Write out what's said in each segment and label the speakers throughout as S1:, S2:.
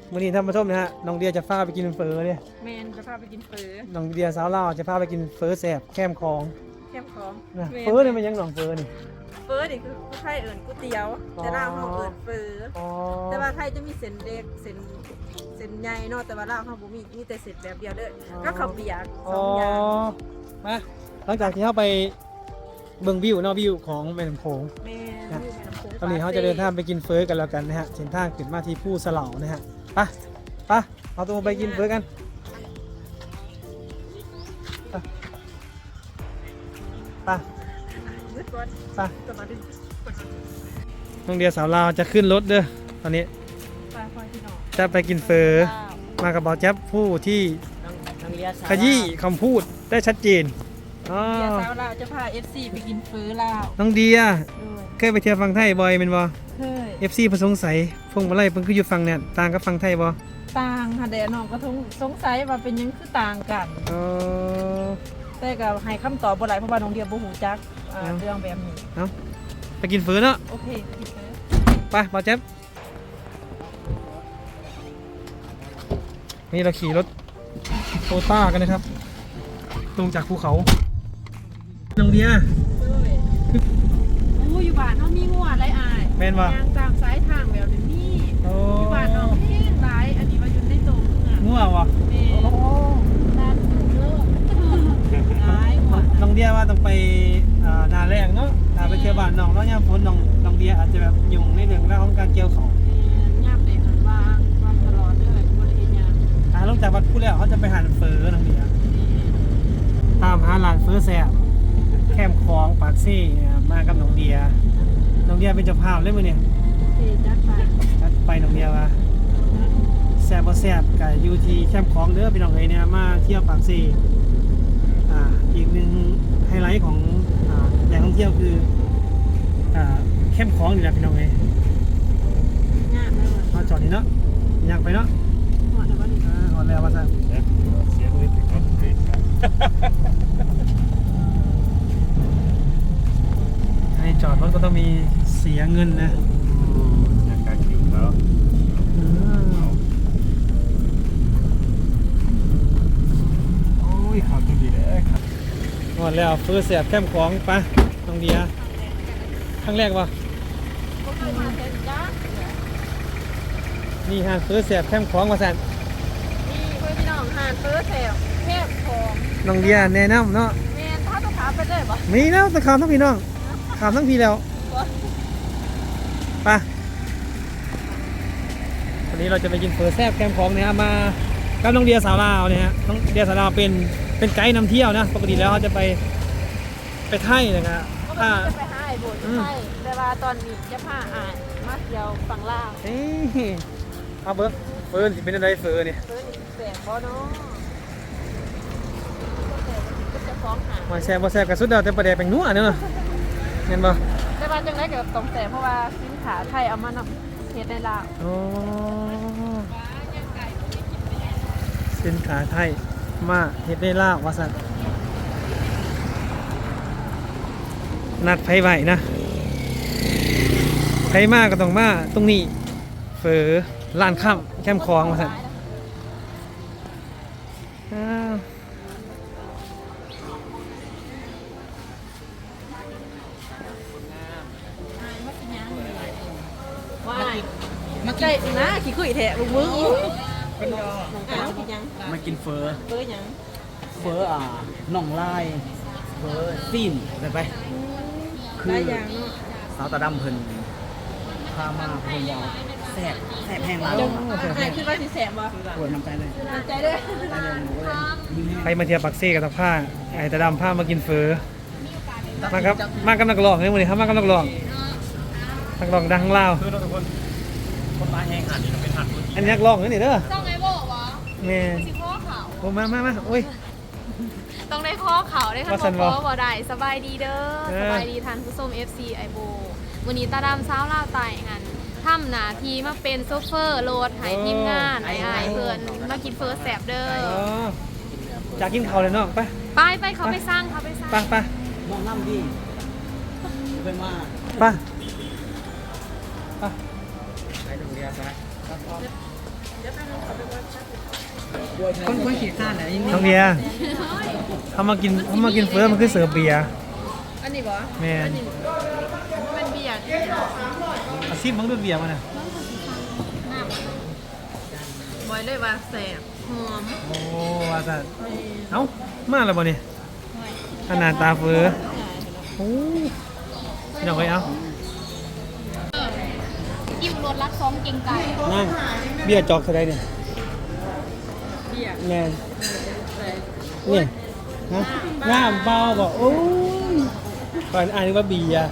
S1: มื้อนี้ท่านผู้ชมนะฮะน้องเดียจะพาไปกินเฟอเนี่ย
S2: แมนจะพาไปกินเฟอ
S1: น้องเดียสาวลาวจะพาไปกินเฟอแซ่บแคมคอง
S2: แคบของ
S1: นะ
S2: แม่น
S1: เฟอเนี่ยมันยังหนองเฟอนี่
S2: เฟอนี่คือไทยเอิญก๋วยเตี๋ยว
S1: อ๋อ
S2: แต่ลาวเขาเอิญเฟอ
S1: อ๋อ
S2: แต่ว่าไทยจะมีเส้นเล็กเส้นใหญ่เนาะแต่ว่าลาวเขาบ่มีแต่เส้นแบบเดียวเด้อก็ข้าวเปียกส
S1: อ๋
S2: อ
S1: อง
S2: อย่าง
S1: มาหลังจากที่เข้าไปเบิ่งวิวเนาะวิวของแม่น้ำโขง
S2: แม่นอยู่แม่น้ำโขง
S1: ตอนนี้เขาจะเดินทางไปกินเฟอกันแล้วกันนะฮะเส้นทางขึ้นมาที่ผู้สลานะฮะไปเอาตัวไปกินเฟอกันไป
S2: ยึดก่อน
S1: ไป
S2: จะมาดึง
S1: น้องเดียสาวลาวจะขึ้นรถเด้อตอนนี้
S2: ไปคอยพี่น้อง
S1: จะไปกินเฟอมากับเบาแจ๊บผู้ที่ขยี้คำพูดได้ชัดเจนอ๋อ
S2: เดี๋ยวสาวลาวจะพา FC ไปกินเฟอลาว
S1: น้องเดีย
S2: ด้วย
S1: เคยไปเที่ยวฟังไทยบ่อยเป็นบ่
S2: เคย
S1: FC เพิ่นสงสัยพวงมาลัยเพิ่นคืออยู่ฟังเนี่ยต่างกับฟังไทยบ่
S2: ต่างค่ะแต่น้องก็สงสัยว่าเป็นหยังคือต่างกัน
S1: เออ
S2: แต่ก็ให้คำตอบบ่หลายเพราะว่าน้องเดียบ่ฮู้จักเรื่องแบบนี้
S1: เอาไปกินเฟอเนาะ
S2: โอเคกินเฟอ
S1: ไปเบาแจ๊บนี่เราขี่รถโตต้ากันนะครับลงจากภูเขาน้องเดีย
S2: ด้วยโอ้อยู่บ้านเฮามีงัวหลายอาย
S1: แม่นบ่
S2: ยางตามสายทางแบบนี้มี
S1: โอ้
S2: อยู่บ้านน้องแห้งหลายอันนี้ว่าอยู่ในโตเมือง
S1: งัววะ
S2: แม่ด้านเลิกหลายงัว
S1: น้องเดียว่าต้องไปนาแรงเนาะถ้าไปเที่ยวบ้านน้องแล้วยามฝนน้องเดียอาจจะแบบยุ่งในเรื่องราวของการเกี่ยวเขา
S2: ย่ำเลยหันวางตลอดเลยบ่ได้เฮ็ดหยัง
S1: ลงจากวัดพูดแล้วเขาจะไปหาเฟอน้องเดียตามหาร้านเฟอแซ่บแคมคลองปากซี่เนี่ยมากับน้องเดียเป็นเจ้าภาพเลยมื้อเนี่ย
S2: โอเคจัดไป
S1: ไปน้องเดียว่าแซ่บบ่แซ่บก็อยู่ที่แคมคลองเด้อพี่น้องเอ้ยเนี่ยมาเที่ยวปากซี่อีกหนึ่งไฮไลท์ของแหล่งท่องเที่ยวคือแคมคลองนี่แหละพี่น้องเอ้ย
S2: งามเลยว่ะ
S1: มาจอดนี่เนาะอยากไปเนาะ
S2: หอดแล้วบ่นี่
S1: หอดแล้วว่าซะ
S3: เสียด้วยถึงรถติดกัน
S1: ให้จอดรถก็ต้องมีเสียเงินนะ
S3: อยากการคิวแล้วโอ้ยข่าวตัวดีเลยครับ
S1: หอดแล้วเฟอร์เสียบแคมป์ของปะน้องเดียครั้งแรกวะ
S2: บ่เคยมาเฮ็ดจ้า
S1: นี่ฮะเฟอร์เสียบแคมป์ของมาสั่น
S2: นี่เพื่อนพี่น้องหานเฟิร์สแถวแคบของ
S1: น้องเดียแนะนำเนาะ
S2: แมนถ้าต้องถามไปเลยปะ
S1: มีแล้วตะขามทั้งพี่น้องขามทั้งพี่แล้วไปวันนี้เราจะไปกินเฟอร์แซ่บแคมป์ของเนี่ยมากับน้องเดียสาวลาวเนี่ยฮะน้องเดียสาวลาวเป็นไกด์นำเที่ยวนะปกติแล้วเขาจะไปไทยนะครับ
S2: ก็ไม่จะไปหาไอ้โบยใช่แต่ว่าตอนนี้จะพาอ่านมาเที่ยวฝั่งลาว
S1: เอ้ยเอาเบิร์เฟิร์นสิเป็นอะไรเฟิร์นเนี่ย
S2: เฟิร์สอีกแสงบ่เนาะก็จะฟ้องหา
S1: มาแซ่บมาแซ่บกับสุดเดียวแต่ประเดี๋ยวเป็นนัวเนอะเห็นบ่
S2: แต่ว่าจังไรกับตรงแสงเพราะว่าสินค้าไทยเอามานำเฮ็ดในลาว
S1: โอ้สินค้าไทยมาเฮ็ดได้ลาวว่าซั่นนัดไผไว้นะไผมาก็ต้องมาตรงนี้เฟอร้านค่ำแคมป์คลองว่าซั่นอ้าว
S2: ว่ามาใจนะขี้คุยแท้ลุงมึงเป็นน้องกินยัง
S4: มากินเฟอ
S2: เฟิร์สยัง
S4: เฟอน่องลายเฟอซีนไปไป
S2: หลายอย่างเนาะ
S4: สาวตาดำเพิ่นพามาเพิ่นบอกแซ่บแห้งร้าน
S2: จังอ่านขึ้นว่าสิแสบบ่
S4: ปวดน้ำใจเลย
S2: น้ำใจเด้อ
S4: ใจเลยหนูก็เลยยิ้มให้
S1: ใครมาเที่ยวปักซี่กับตะผ้าไอ้ตะดำผ้ามากินเฟอมาครับมากับนักร้องเลยวันนี้ครับมากับนักร้องดังของลาว
S3: คือเราทุกคนมาแห้งหันนี่เราเป็นหัน
S1: อันนี้นักร้องนี่เด้อ
S5: ต้องไงบอกวะ
S1: แม่
S5: สิข้อเขา
S1: โอ้มาโอ้ย
S5: ต้องได้ข้อเขาได้คัน
S1: ว่าซั่น
S5: บ
S1: บ่
S5: อกบ่ได้สบายดีเด้อ
S1: เออ
S5: สบายดีทันผู้ชม FC ไอโบวันนี้ตาดำเช้าวลาวไต่งันทำหน้าที่มาเป็นโซเฟอร์รถให้ทีมงานไอ้เพื่อนมากินเฟิร์สแสบเด้อ
S1: อ๋อจากกินข้าวเลยเนาะไป
S5: ไปเขาไปสร้างเขาไปสร้าง
S1: ไป
S4: น้องน้ำดีไปมา
S1: ไป
S4: ไปโรงเรียนซะคนขี่ข้านไหน
S1: น้องเบียร์เขามากินเฟิร์สมันคือเสิร์ฟเบียร์
S2: อันนี้บ่
S1: แม่น
S5: เป็นเบียร์
S1: อาซิบมันด้วยเบียร์มันน่ะ
S2: บอยเลยว่าแสบหอม
S1: โอ้ว่าซะเอ้ามาแล้วบ่นี่ขนาดตาเฟิร์สโอ้พี่น้องเอ้ยเอ้า
S5: อิ่มรสรักซ้อมเก่งไก่
S1: นั่งเบียร์จอกเท่าใดเนี่ย
S2: เบียร์
S1: แม่นนี่ฮะน้ำเปล่าบ่โอ้ยก่อนอ่านว่าเบียร์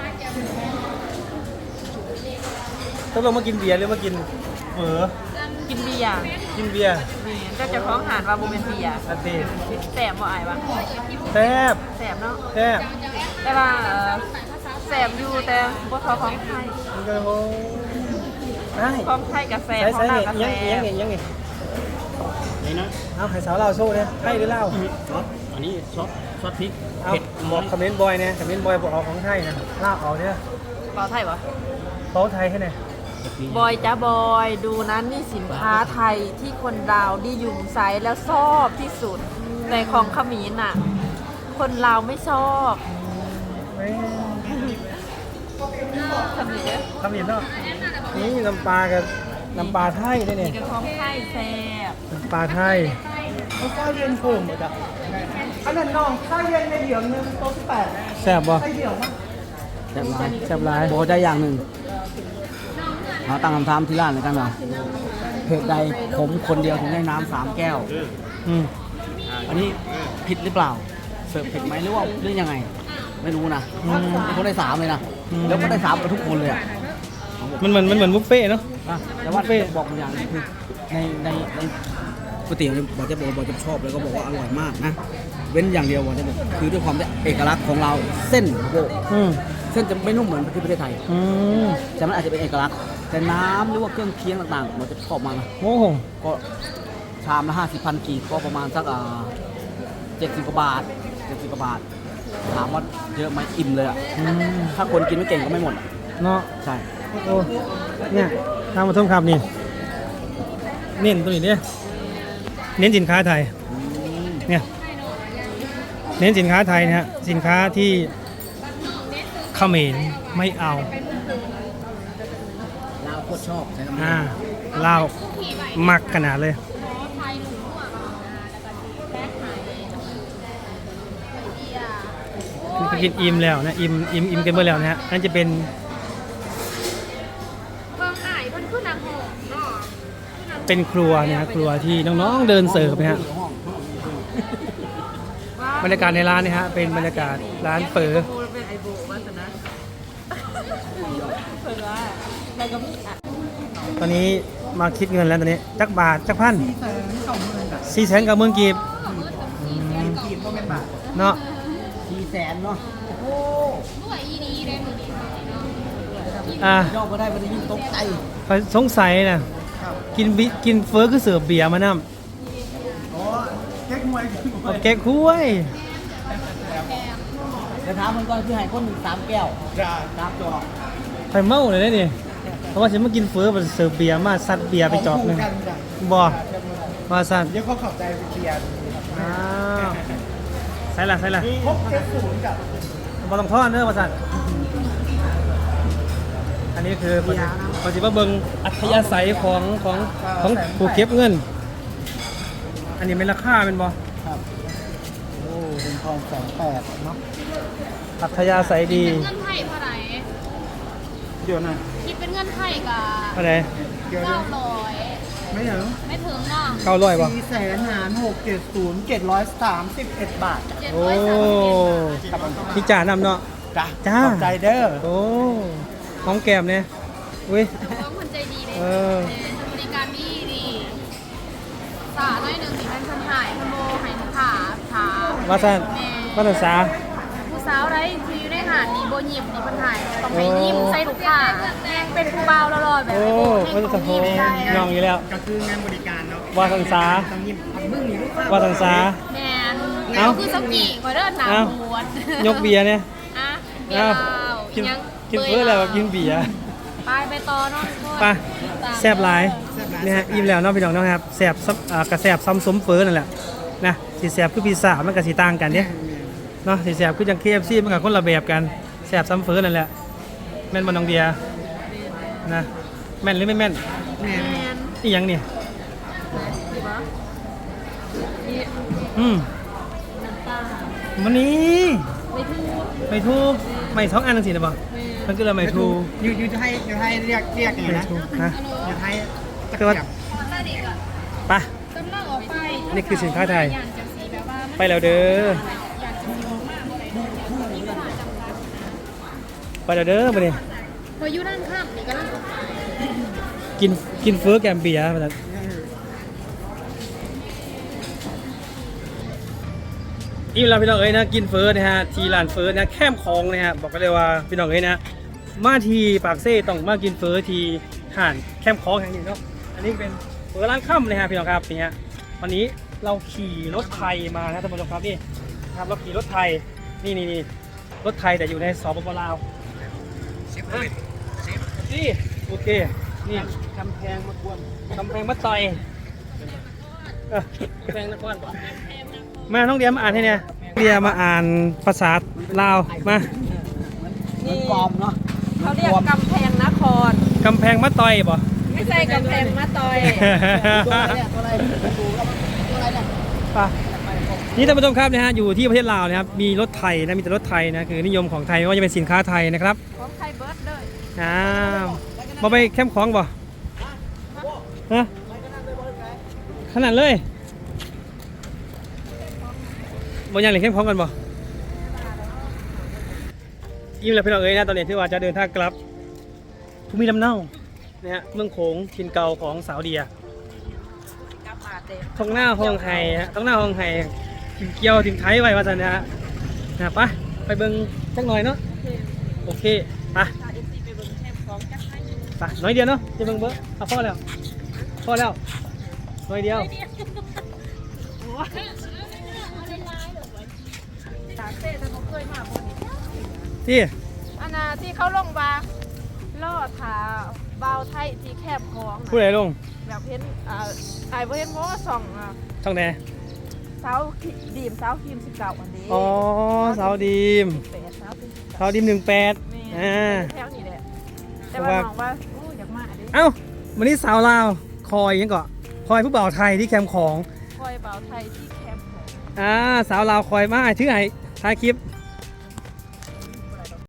S1: ต้องลงมากินเบียร์หรือมากินเฝอ
S2: กินเบียร์
S1: กินเบียร์
S2: ก็จะคล้องหานว่าบ่เป็นเบียร์
S1: อันตี
S2: แสบบ่อายว่า
S1: แซ่บ
S2: แสบเนาะ
S1: แซ่บ
S2: แต่ว่าแสบอยู่แต่บ่เท่าของไทย
S1: มันก็โอ้ได้
S2: ของไทยกับแสบ
S1: ใส่
S2: ของ
S1: ใส่
S2: ลาว
S1: เนี่ย
S2: กับแส
S1: ยัง
S2: บ
S1: ไงนี่นะเอาให้สาวเราโชว์เนี่ยให้หรือเล่า
S4: อันนี้ซอสพริก
S1: เอาบอกคอมเมนต์บอยเนี่ยคอมเมนต์บอยบอกเอาของไทยนะเล่าเอาเนี่ย
S2: เปล่าไทยบ่
S1: เขาไทยให้ไหน
S2: บอยจ้าบอยดูนั้นนี่สินค้าไทยที่คนลาวนิยมใช้แล้วชอบที่สุดแต่ของเขมรน่ะ คนลาวไม่ชอบ
S1: ไม่
S2: เขมร
S1: คำเห็นเนาะนี่น้ำปลากับน้ำปลาไทยได้เนี่ย
S2: กับของไทยแซ่บ
S1: น้ำปลาไทยข้าวเย็นโผมหมดอ่ะอันนั้นน้องข้าวเย็นในเดี่ยวนึงโต๊ะ18แซ่บบ่
S4: แซ่บร้าย
S1: แซ่บหลาย
S4: บอกได้อย่างหนึ่งเราตั้งคำถามที่ร้านเลยกันว่าเหตุใดผมคนเดียวถึงได้น้ำ3 แก้ว
S1: อืม
S4: อันนี้ผิดหรือเปล่า เสิร์ฟผิดไหมหรือว่าเรื่องยังไง ไม่รู้นะมีคนได้3เลยนะ แล้วก็ได้3กับทุกคนเลยอะ
S1: มันเหมือนบุฟเฟ่ต์เนาะ
S4: แต่ว่าบอกอย่างหนึงคือในก๋วยเตี๋ยวเนี่ยบอกจะชอบแล้วก็บอกว่าอร่อยมากนะ เว้นอย่างเดียวบอกจะบอกคือด้วยความเอกลักษณ์ของเราเส้นโบ
S1: อืม
S4: เส้นจะไม่นุ่มเหมือนที่ประเทศไทย
S1: อืม
S4: แต่มันอาจจะเป็นเอกลักษณ์แต่น้ำหรือว่าเครื่องเคียงต่างๆมันจะชอบมากนะ
S1: โอ้โห
S4: ก็ชามละ50,000 กีบก็ประมาณสัก70 กว่าบาท70 กว่าบาท ถามว่าเยอะไหมอิ่มเลยอ่ะ
S1: อืม
S4: ถ้าคนกินไม่เก่งก็ไม่หมดอะ
S1: เนาะ
S4: ใช่
S1: โอ้เนี่ยทางมาท่มครับนี่เน้นตัวนี้เนี่ยเน้นสินค้าไทยเนี่ยเน้นสินค้าไทยนะฮะสินค้าที่เขมรไม่เอา
S4: ลาวโคตรชอบใช้คำนี้
S1: ลาวมักขนาดเลย
S5: ไทยหลุมหัวแล้วก็แป้งไทยเบียร์
S1: คือกินอิ่มแล้วนะอิ่มกันเมื่อแล้วนะฮะนั่นจะเป็น
S5: เบิ่งอ้ายเพิ่นคือนางหงเนาะ
S1: เป็นครัวนะฮะครัวที่น้องๆเดินเสิร์ฟนะฮะบรรยากาศในร้านนี่ฮะเป็นบรรยากาศร้านเฝอ
S2: พูดเป็นไอโบวาสนะเปิดว่าอะไรก็มีอ่ะ
S1: ตอนนี้มาคิดเงินแล้วตอนนี้จักบาทจักพัน490,000 กีบ
S4: กีบก็เป็นบาท
S1: เนาะ
S4: 400,000เนาะโอ้
S5: ด้วยอีดีได้มื้อนี้
S4: ย่อก็ได้ไม่ได้ยิ่งตกใจ
S1: ข้อยสงสัยนะกินเฟอร์คือเสิร์ฟเบียร์มานํ
S4: อ๋อแก๊กมวย
S1: เอาแก๊กคุ้ย
S4: เดี๋ยวถามมันก่อนคือให้คนหนึ่ง3 แก้ว3 จอก
S1: ไข่เมาเลยนะนี่เพราะว่าฉันมากินเฟอร์มันเสิร์ฟเบียร์มาซัดเบียร์ไปจอกหนึงบ่มาซัด
S3: เดี๋ยวเขาขับใจไปเคลียร์
S1: อ้าวใส่ละ
S3: พบ70กับ
S1: บ่ต้องทอดเด้อมาซัดอันนี้คือปฏิบัติเบิงอัธยาศัยของผู้เก็บเงิน อันนี้เป็นราคาเป็นบ่
S3: ครับโอ้เป็นทอง28เนาะ
S1: อัธยาศัยดี
S5: เงินไทยเท่าไหร่
S3: เดี๋ยวนะ
S5: คิดเป็นเงินไทยก็
S1: อะไร
S3: เดี๋ยวนะ
S5: 900
S3: ไม่ถึง
S5: ไม่ถึงเนาะ
S1: 900บ่
S3: 4,670,731 บาท
S1: โอ้
S5: 730
S1: พี่จ่านำเนาะ
S3: จ้ะ
S1: จ้า
S3: ขอบใจเด้อ
S1: โอ้ของแก้มเนี่ยอุ้ย
S5: น้องคนใจดีเลย
S1: เออ
S5: บริการดีสาน้อยหนึ่งที่เป็นคนหายคนโมให้ขาขา
S1: ว่าซั่นว่าซั่นสา
S5: ผู้สาวไรที่อยู่ในหาดนี่โบยิมนี่คนหายต้องไปยิ้มใส่ลูกค้าแม่งเป็นผู้เบาแล้วรอแบบ
S1: โอ้
S5: ไอ้
S1: ว่า
S5: โบ
S1: ซั่น
S5: แม่ง
S1: โห
S5: ต้องยิ้มได้
S1: น้องอยู่แล้ว
S3: ก็คืองานบริการเนาะ
S1: ว่าซั่นสาว่าซั่นสา
S5: แมน
S1: เอ้า
S5: คือสกีคอยเดินหนา
S1: เอ้า
S5: หวน
S1: ยกเบียร์เนี่ย
S5: อ่ะเบียร์เหล้า
S1: กิน
S5: ยัง
S1: กินเพื่ออะไรวะกินเบียร์
S5: ไปต่อเนาะ
S1: ไปแซ่บหลาย
S3: แซ่บไร
S1: นี่ฮะอิ่มแล้วเนาะพี่น้องเนาะครับแสบซ้ำกระแสบซ้ำสมเฟ้อนั่นแหละนะสีแสบคือพิซซ่ามันก็สีต่างกันเนี่ยเนาะสีแสบคือจัง KFC มันก็คนละแบบกันแสบซ้ำเฟ้อนั่นแหละแม่นบ่น้องเดียนะแม่นหรือไม่แม่น
S2: แมน
S1: อีหยังนี่
S2: ดีปะนี่ น้ำตา
S1: มันนี้
S2: ไม่ถูก
S1: ไม่2อันจังซี่นะบ่มันคือละไม่ทู
S3: อยู่จะให้เรียกอย่าง
S1: ไม่
S3: นะ
S1: ทูฮะ
S3: อยู่ให้
S1: คือว่าไป
S5: กำลังออกไป
S1: นี่คือสินค้าไทย
S5: อย่างจังสีแบบว่า
S1: ไปแล้วเด้อ
S5: อย่างจังสีมากอะไรเนี่ยมีเวลาจำกัด
S1: ไปแล้วเด้อมาดิ
S5: พออยู่ด้านข้ามนี่ก็ต้องออกไป
S1: กินเฟ้อแกมเบียร์มาแล้วอิ่มแล้วพี่น้องเอ้ยนะกินเฟ้อนะฮะที่ร้านเฟ้อนะแคมป์ของนะฮะบอกกันเลยว่าพี่น้องเอ้ยนะมาทีปากเซ่ต้องมากินเฟ้อที่ห่านแคมป์ของแห่งนี้เนาะอันนี้เป็นเฟ้อร้านค่ำนะฮะพี่น้องครับนี่ฮะวันนี้เราขี่รถไทยมานะท่านผู้ชมครับนี่ครับเราขี่รถไทยนี่รถไทยแต่อยู่ในสปปลาวนี่โอเคนี่กำแพงมากวนกำแพงมาต่อยกำแพงนครมาน้องเดียมาอ่านให้เนี่ยเดียมาอ่านภาษาลาวมา
S2: นี่
S4: ปลอมเนาะ
S2: เขาเรียกกำแพงนคร
S1: กำแพงมาต่อยบ่
S2: ไม่ใช่กำแพงมะตอย
S1: ป่ะนี่ท่านผู้ชมครับนะฮะอยู่ที่ประเทศลาวนะครับมีรถไทยนะมีแต่รถไทยนะคือนิยมของไทยไม่ว่าจะเป็นสินค้าไทยนะครับ
S2: ของไทยเบิร์ดเลย
S1: มาไปแคมป์ของบ่ฮะขนาดเลยบ่ยังเหลือแคมป์ของกันบ่ยิ้มแล้วพี่น้องเอ้ยนะตอนนี้ที่ว่าจะเดินทางกลับภูมิลำเนานะฮะเมืองโขงถิ่นเก่าของสาวเดีย
S2: กำมาเต็ม
S1: ท้องหน้าห้องไห้ฮะท้องหน้าห้องไห้ถิ่นเกี่ยวถิ่นไทยไว้ว่าสันนะฮะไปเบิ่งสักหน่อยเนาะโอเคไป
S2: ถ้าเอฟซีไปเบิ่งแคมป์ของจักรให้
S1: ไปน้อยเดียวเนาะจะเบิ่งเบิ่งเอาพอแล้วน้อยเดียว
S2: ตาเต้ถ้าเขาเคยมาบนนี้
S1: ที่
S2: อันน่ะที่เขาลงมาล่อถาเบาไทยที่แคบของน่ะ
S1: ผู้ใดลง
S2: แบบเห็นไอ้บ่เห็นเพราะว่าส่อง
S1: ช่องไหน
S2: เสาดีมเสาทีม19อันนี้
S1: อ๋อสาวดีม
S2: 8เสาทีม19
S1: สาวดีม18
S2: แม่
S1: อ่า
S2: แถวนี้แหละแต่ว่ามองว่าโอ้อยากมาดิ
S1: เอ้าวันนี้สาวลาวคอยยังก่อนคอยผู้บ่าวไทยที่แคมป์ของ
S2: คอยเบาไทยที่แคบของ
S1: สาวลาวคอยมาชื่อไห้ถ่ายคลิป